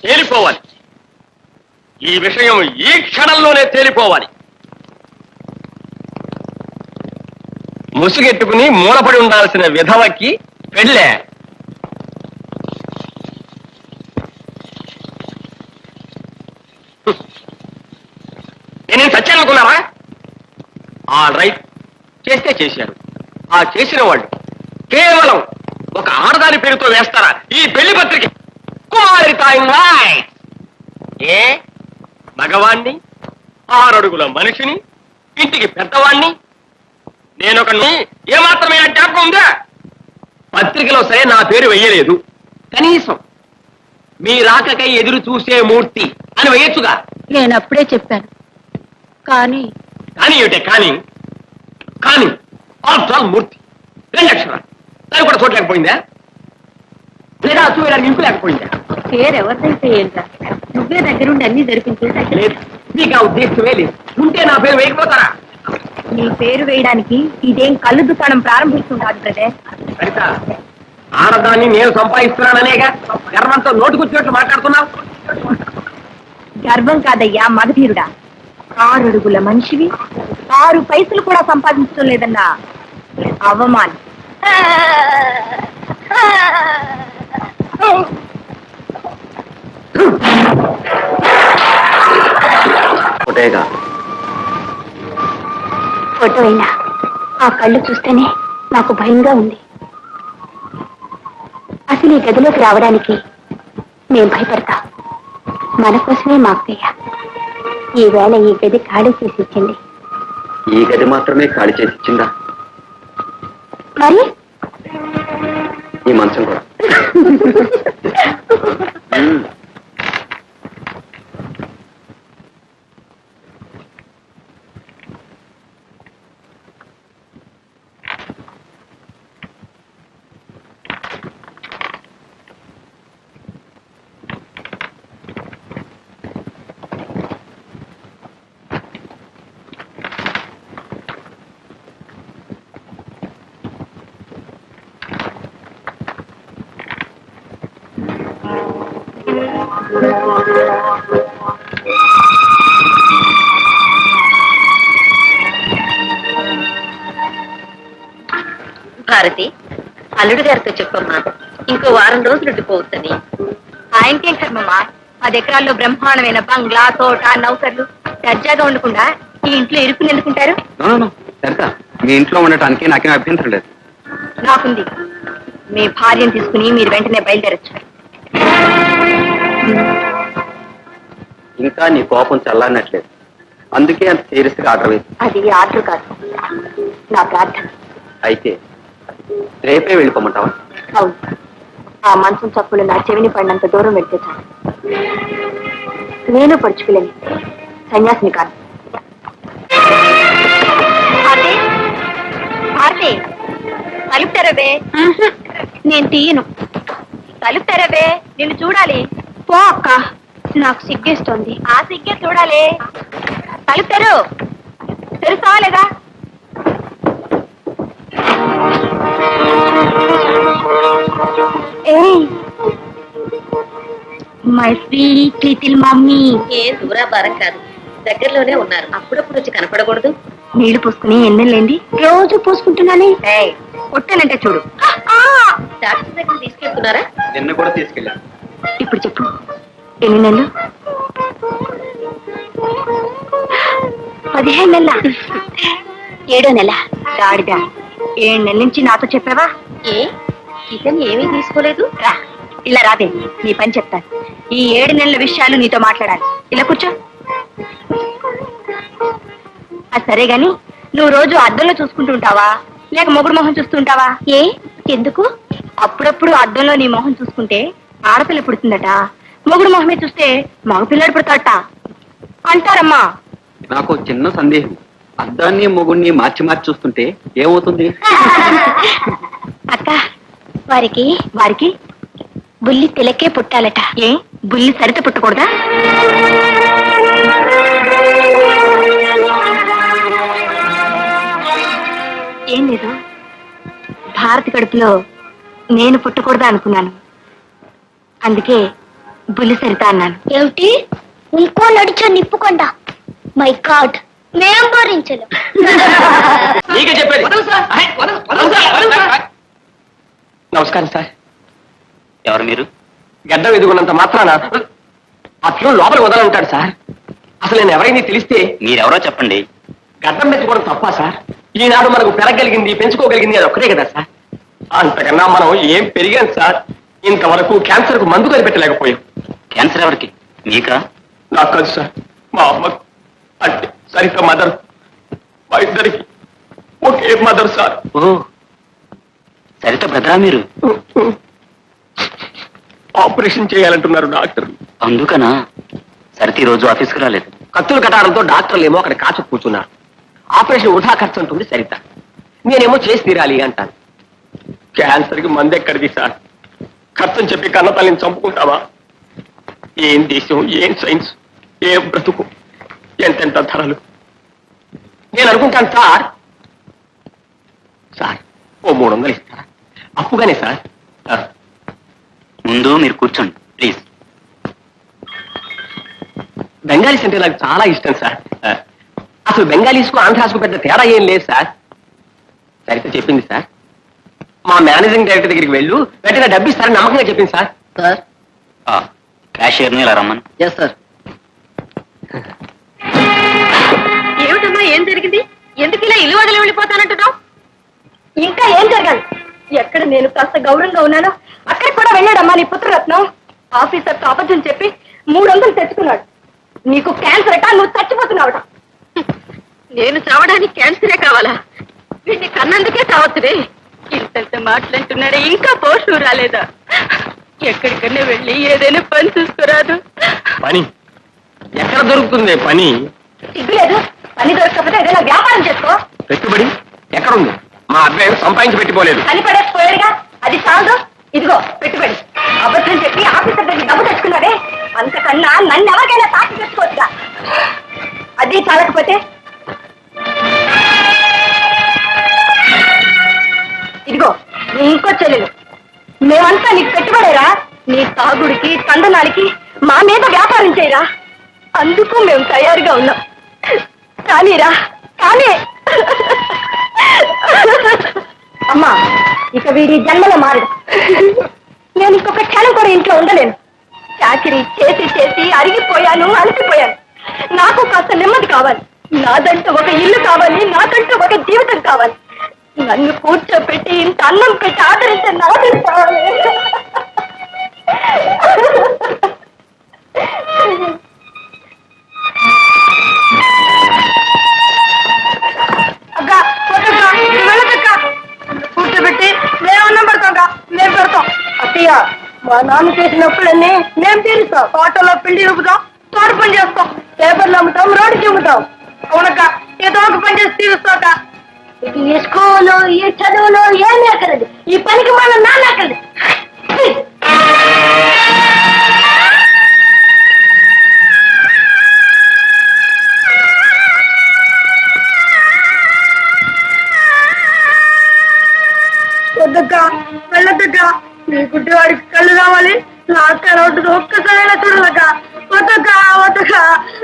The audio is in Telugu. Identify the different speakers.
Speaker 1: తేలిపోవాలి. ఈ విషయం ఈ క్షణంలోనే తేలిపోవాలి. ముసుగెట్టుకుని మూలపడి ఉండాల్సిన విధవకి పెళ్ళే. నేనేం సత్యానుకున్నారా? ఆల్ రైట్, చేస్తే చేశారు. ఆ చేసిన వాళ్ళు కేవలం ఒక ఆడదాని పేరుతో వేస్తారా ఈ పెళ్లి పత్రిక? ఏ మగవాణ్ణి, 6 అడుగుల మనిషిని, ఇంటికి పెద్దవాణ్ణి, నేనొక ఏమాత్రమైనా జ్ఞాపకం ఉందా? పత్రికలో సరే నా పేరు వెయ్యలేదు. కనీసం మీ రాకకై ఎదురు చూసే మూర్తి అని వేయొచ్చుగా.
Speaker 2: నేను అప్పుడే చెప్పాను. కానీ
Speaker 1: ఏమిటే కానీ? కానీ ఆఫ్టర్ ఆల్ మూర్తి 2 అక్షరాలు, దాన్ని కూడా చూడలేకపోయిందా? లేదా చూడడానికి ఇంపు లేకపోయిందా?
Speaker 2: పేరు ఎవరిదైతే ఏంటా, నువ్వే దగ్గరుండి అన్ని జరిపించే.
Speaker 1: లేదు, నీకు ఆ ఉద్దేశమే లేదు. ఉంటే నా పేరు వేయకపోతారా?
Speaker 2: నీ పేరు వేయడానికి ఇదేం కళ్ళు దుకాణం ప్రారంభిస్తుంటారు బ్రదర్.
Speaker 1: సరిత, ఆడదాన్ని నేను సంపాదిస్తున్నాననేగా గర్వంతో నోటుకొచ్చినట్లు మాట్లాడుతున్నావు.
Speaker 2: గర్వం కాదయ్యా మగధీరుడా. 6 అడుగుల మనిషివి 6 పైసలు కూడా సంపాదించడం లేదన్నా అవమానం. ఫోటో అయినా ఆ కళ్ళు చూస్తేనే నాకు భయంగా ఉంది. అసలు ఈ గదిలోకి రావడానికి నేను భయపడతా. మన కోసమే మా అక్కయ్య ఈవేళ ఈ గది ఖాళీ చేసి ఇచ్చింది.
Speaker 1: ఈ గది మాత్రమే ఖాళీ చేసి ఇచ్చిందా?
Speaker 2: మరి
Speaker 1: ఈ మంచం కూడా.
Speaker 2: భారతి, అల్లుడు గారితో చెప్పమ్మా, ఇంకో వారం రోజులు ఉండిపోవచ్చని. ఆయనకేం కర్మమ్మా, 10 ఎకరాల్లో బ్రహ్మాండమైన బంగ్లా, తోట, నౌకర్లు, దర్జాగా ఉండకుండా ఈ ఇంట్లో ఇరుకుని ఎందుకుంటారు?
Speaker 1: మీ ఇంట్లో ఉండటానికి నాకేం అభ్యంతరం లేదు.
Speaker 2: నాకుంది. మీ భార్యను తీసుకుని మీరు వెంటనే బయలుదేరచ్చు.
Speaker 1: ఇంకా నీ కోపం చల్లారినట్లేదు, అందుకే అంత సీరియస్ గా ఆర్డర్ వేసి.
Speaker 2: అది ఆర్డర్ కాదు, నా ప్రార్థన.
Speaker 1: అయితే రేపే వెళ్ళిపోమంటావా?
Speaker 2: అవును, ఆ మంచం చప్పులు నా చెవిని పడినంత దూరం వెళ్తే చాలు. నేను పడుచుకోలేను, సన్యాసిని కాదు. భారతి, తలుపు తెరవే. నేను తీయను. తలుపు తెరవే, నిన్ను చూడాలి. పో అక్క, నాకు సిగ్గేస్తోంది. ఆ సిగ్గే చూడాలి. తలుపు తెరు. తెరుస్తావా లేదా? My sweet little mummy.
Speaker 3: ఏ దూరాభారం కాదు, దగ్గరలోనే ఉన్నారు. అప్పుడప్పుడు వచ్చి కనపడకూడదు.
Speaker 2: నీళ్లు పోసుకుని ఎన్నెళ్ళేంది? రోజు పోసుకుంటున్నానే. కొట్టానంటే చూడు.
Speaker 3: డాక్టర్ దగ్గర తీసుకెళ్తున్నారా?
Speaker 1: నిన్న కూడా తీసుకెళ్ళాను.
Speaker 2: ఇప్పుడు చెప్పు, ఎన్ని నెలలు? 15 నెలల? 7వ నెల. గాడిదా, 7 నెలల నుంచి నాతో చెప్పావా?
Speaker 3: ఏ ఇతను ఏమీ తీసుకోలేదు?
Speaker 2: రా, ఇలా రాదే, నీ పని చెప్తాను. ఈ 7 నెలల విషయాలు నీతో మాట్లాడాలి. ఇలా కూర్చో. సరే గాని, నువ్వు రోజు అద్దంలో చూసుకుంటుంటావా, లేక మొగుడు మొహం చూస్తుంటావా? ఏ ఎందుకు? అప్పుడప్పుడు అద్దంలో నీ మొహం చూసుకుంటే ఆడపిల్ల పుడుతుందట, మొగుడు మొహమే చూస్తే మగపిల్లాడు పుడతాడట అంటారమ్మా.
Speaker 1: నాకు చిన్న సందేహం, అద్దాన్ని మొగుడిని మార్చి మార్చి చూస్తుంటే ఏమవుతుంది?
Speaker 2: అక్క, వారికి బుల్లి తిలకే పుట్టాలట. ఏ బుల్లి సరిత పుట్టకూడదా? ఏం లేదు, భారతి కడుపులో నేను పుట్టకూడదా అనుకున్నాను. అందుకే బుల్లి సరిత అన్నాను.
Speaker 4: ఏమిటి ఇంకో నడిచో నిప్పుకొండ? మై గాడ్, మేం భరించలేం.
Speaker 1: నీకే చెప్పేది. నమస్కారం సార్.
Speaker 5: ఎవరు మీరు?
Speaker 1: గడ్డం ఎదుగున్నంత మాత్రాన అట్లు లోపల వదలంటాడు సార్. అసలు నేను ఎవరైనా తెలిస్తే
Speaker 5: మీరెవరో చెప్పండి.
Speaker 1: గడ్డం పెంచుకోవడం తప్ప సార్? ఈనాడు మనకు పెరగలిగింది, పెంచుకోగలిగింది అది ఒక్కటే కదా సార్. అంతకన్నా మనం ఏం పెరిగాం సార్. ఇంతవరకు క్యాన్సర్ కు మందు కనిపెట్టలేకపోయాం.
Speaker 5: క్యాన్సర్ ఎవరికి? మీకా?
Speaker 1: నాకు కాదు సార్, మా అమ్మకు. అంటే సరిత మదర్. మా ఇద్దరికి ఒకే మదర్ సార్.
Speaker 5: ఓ, సరిత బ్రదరా మీరు?
Speaker 1: ఆపరేషన్ చేయాలంటున్నారు డాక్టర్.
Speaker 5: అందుకనా సరిత ఈ రోజు ఆఫీస్కి రాలేదు?
Speaker 1: కత్తులు కట్టాడంతో డాక్టర్లు ఏమో అక్కడ కాచు కూర్చున్నారు. ఆపరేషన్ వృధా ఖర్చు ఉంటుంది సరిత. నేనేమో చేసి తీరాలి అంటాను. క్యాన్సర్ కి మందు ఎక్కడిది సార్? ఖర్చుని చెప్పి కన్న తల్లిని చంపుకుంటావా? ఏం దేశం, ఏం సైన్స్, ఏం బ్రతుకు, ఎంతెంత ధరలు. నేను అనుకుంటాను సార్, సార్ ఓ 300 ఇస్తారా? అప్పుగానే సార్.
Speaker 5: ముందు మీరు కూర్చోండి ప్లీజ్.
Speaker 1: బెంగాలీస్ అంటే నాకు చాలా ఇష్టం సార్. అసలు బెంగాలీస్కు ఆంధ్రాస్కు పెద్ద తేడా ఏం లేదు సార్. సరిగ్గా చెప్పింది సార్. మా మేనేజింగ్ డైరెక్టర్ దగ్గరికి వెళ్ళు, వెంటనే డబ్బు ఇస్తారని నమ్మకంగా చెప్పింది సార్.
Speaker 3: సార్.
Speaker 5: క్యాషియర్ని ఇలా రమ్మను.
Speaker 3: Yes sir.
Speaker 2: ఏమిటమ్మా, ఏం జరిగింది? ఎందుకు ఇలా ఇల్లు వదిలి వెళ్ళిపోతానంటున్నావు? ఇంకా ఏం జరగాలి? ఎక్కడ నేను కాస్త గౌరవంగా ఉన్నానో అక్కడ కూడా వెళ్ళాడమ్మా నీ పుత్రరత్నం. ఆఫీసర్తో అబద్ధం చెప్పి 300 తెచ్చుకున్నాడు. నీకు క్యాన్సర్ అట, నువ్వు చచ్చిపోతున్నావుట. నేను చావడానికి క్యాన్సరే కావాలా? వీడిని కన్నందుకే కావచ్చురే. ఇంత మాట్లాడుతున్నాడే, ఇంకా పోషు రాలేదా? ఎక్కడికన్నా వెళ్ళి ఏదైనా పని చూసుకోరాదు?
Speaker 1: పని ఎక్కడ దొరుకుతుంది? పని
Speaker 2: సిగ్గులేదు? పని దొరకకపోతే ఏదైనా వ్యాపారం చేసుకో.
Speaker 1: పెట్టుబడి ఎక్కడుంది? మా అబ్బాయి సంపాదించి పెట్టిపోలేదు.
Speaker 2: పని పడేసిపోయాడుగా, అది చాలు. ఇదిగో పెట్టుబడి. అబద్ధం చెప్పి ఆఫీసర్ దగ్గర డబ్బు తెచ్చుకున్నాడే, అంతకన్నా నన్ను ఎవరికైనా సాక్షి తెచ్చుకోవచ్చుగా. అది చాలకపోతే ఇదిగో ఇంకో చెల్లెలు. మేమంతా నీకు పెట్టుబడేరా. నీ తాగుడికి, తందనానికి మా మీద వ్యాపారం చేయరా. అందుకు మేము తయారుగా ఉన్నాం. కానీరా, కానీ అమ్మా, ఇక వీడి జన్మలో మారడు. నేను ఇంకొక క్షణం కూడా ఇంట్లో ఉండలేను. చాకరీ చేసి చేసి అరిగిపోయాను, అలసిపోయాను. నాకు కాస్త నెమ్మది కావాలి. నాదంటూ ఒక ఇల్లు కావాలి, నాకంటూ ఒక జీవితం కావాలి. నన్ను కూర్చోపెట్టి ఇంత అన్నం పెట్టి ఆదరించే నాది కావాలి. అక్క, వద్దక్కా, వెళ్ళదక్క. కూర్చోబెట్టి మేము అన్నం పెడతాం, మేము పెడతాం. అత్తయ్య, మా నాన్న చేసినప్పుడన్నీ మేము తీరుస్తాం. తోటలో పిండి రుపుతాం, తోట పని చేస్తాం, పేపర్లు అమ్ముతాం, రోడ్డు చూపుతాం. అవునక్క, ఏదో ఒక పని చేసి తీరుస్తాక. ఈ స్కూలు, ఈ చదువులు ఏమీ అక్కర్లేదు. ఈ పనికి మన నాన్న అక్కర్లేదు. వద్దక్క, వెళ్ళొద్దక్క. నీ గుడ్డివాడికి కళ్ళు కావాలి, నాకు కనవద్దు. ఒక్కసారైనా చూడదక్క. వద్దక్క, వద్దక్క.